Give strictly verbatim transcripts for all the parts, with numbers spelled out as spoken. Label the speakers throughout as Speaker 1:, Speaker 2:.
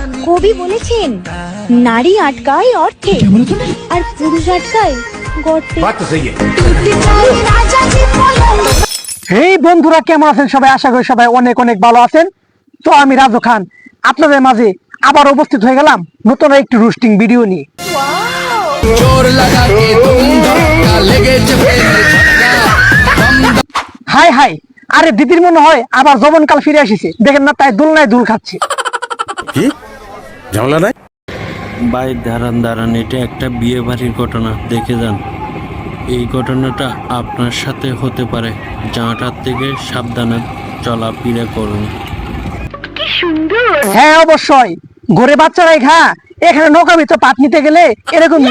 Speaker 1: কবি বলেছেন নারী আটকায় অর্থে আর পুরুষ আটকায় গর্তে।
Speaker 2: এই বন্ধুরা কেমন আছেন সবাই? আশা করি সবাই অনেক অনেক ভালো আছেন। তো আমি রাজু খান আপনাদের মাঝে আবার উপস্থিত হয়ে গেলাম নতুন একটি রোস্টিং ভিডিও নিয়ে। হাই হাই, আরে দিদির মনে হয় আবার যৌবনকাল ফিরে আসিছে, দেখেন না তাই দুলনায় দুল খাচ্ছে।
Speaker 3: কি ঝামেলা নাই
Speaker 4: ভাই দাঁড়ান দাঁড়ান, এটা একটা বিয়ে বাড়ির ঘটনা, দেখে যান। এই ঘটনাটা আপনার সাথে হতে পারে, জাঁটার থেকে সাবধানে চলাফেরা করুন।
Speaker 2: হ্যাঁ অবশ্যই, ঘরে বাচ্চারাই খা, এখানে নৌকা ভিতর পাট নিতে গেলে এরকম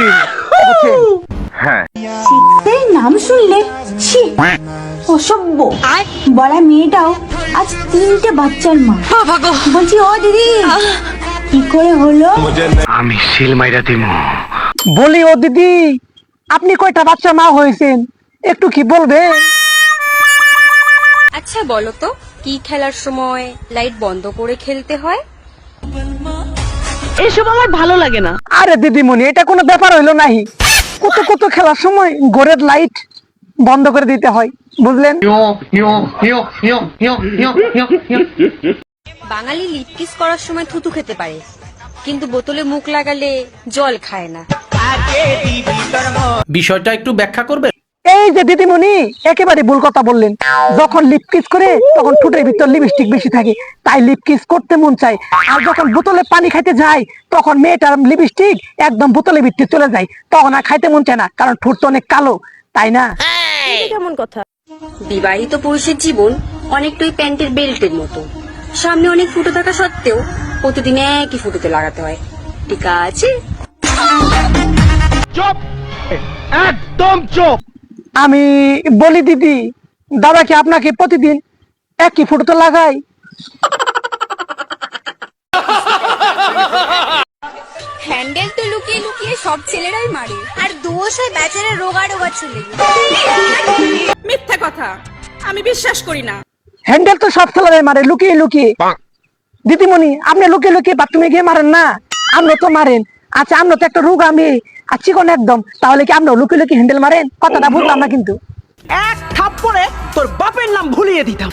Speaker 1: শীতের নাম শুনলে ছি, অসভ্য। বড়া মেয়েটাও আজ তিনটে বাচ্চার মা। বলছি ও দিদি কি করে হলো?
Speaker 5: আমি সিল মাইরা দিমু।
Speaker 2: বলি ও দিদি, আপনি কয়টা বাচ্চা মা হয়েছেন একটু কি বলবেন?
Speaker 6: আচ্ছা বলো তো, কি খেলার সময় লাইট বন্ধ করে খেলতে হয়?
Speaker 7: এসব আমার ভালো লাগে না।
Speaker 2: আরে দিদিমণি, এটা কোনো ব্যাপার হইলো নাহি, কত কত খেলার সময় ঘরের লাইট বন্ধ করে দিতে হয়, বুঝলেন?
Speaker 6: বাঙালি লিপ কিস করার সময় থুতু খেতে পারে, কিন্তু বোতলে মুখ লাগালে জল খায় না।
Speaker 8: বিষয়টা একটু ব্যাখ্যা করবে?
Speaker 2: এই যে দিদিমণি একেবারে ভুল কথা বললেন। যখন লিপ কিস করে তখন ঠোঁটের ভিতর লিপস্টিক বেশি থাকে, তাই লিপ কিস করতে মন চায়। আর যখন বোতলে পানি খাইতে যায় তখন মেয়েটার লিপস্টিক একদম বোতলের ভিতরে চলে যায়, তখন আর খাইতে মন চায় না, কারণ ঠোঁট তো অনেক কালো, তাই না?
Speaker 7: কেমন কথা?
Speaker 6: বিবাহিত পুরুষের জীবন অনেকটাই প্যান্টের বেল্টের মতো, সামনে অনেক ফুটো থাকা সত্ত্বেও প্রতিদিন একই ফুটোতে লাগাতে হয়, ঠিক আছে?
Speaker 5: চুপ, একদম চুপ।
Speaker 2: আমি বলি দিদি, দাদা কি আপনাকে প্রতিদিন একই ফুটোতে লাগাই?
Speaker 6: হ্যান্ডেল তো লুকিয়ে লুকিয়ে সব ছেলেরাই মারে, আর দোষ হয় বেচারা রোগা রোগা ছেলে।
Speaker 7: মিথ্যা কথা, আমি বিশ্বাস করি না।
Speaker 2: হ্যান্ডেল তো সব ছেলেরাই মারে লুকিয়ে লুকিয়ে। দিদিমণি, আপনি লুকিয়ে লুকিয়ে বাথরুমে গিয়ে মারেন না, আপনি তো মারেন। আচ্ছা, আপনি তো একটা রোগ, আমি আর চিকন একদম, তাহলে কি আপনি লুকিয়ে লুকিয়ে হ্যান্ডেল মারেন? কথাটা বুঝলাম না কিন্তু।
Speaker 7: এক থাপ্পড়ে তোর বাপের নাম ভুলিয়ে দিতাম।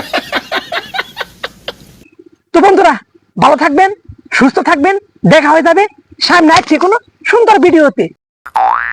Speaker 2: তো বন্ধুরা, ভালো থাকবেন, সুস্থ থাকবেন, দেখা হয়ে যাবে সামনে আসছে কোনো সুন্দর ভিডিওতে।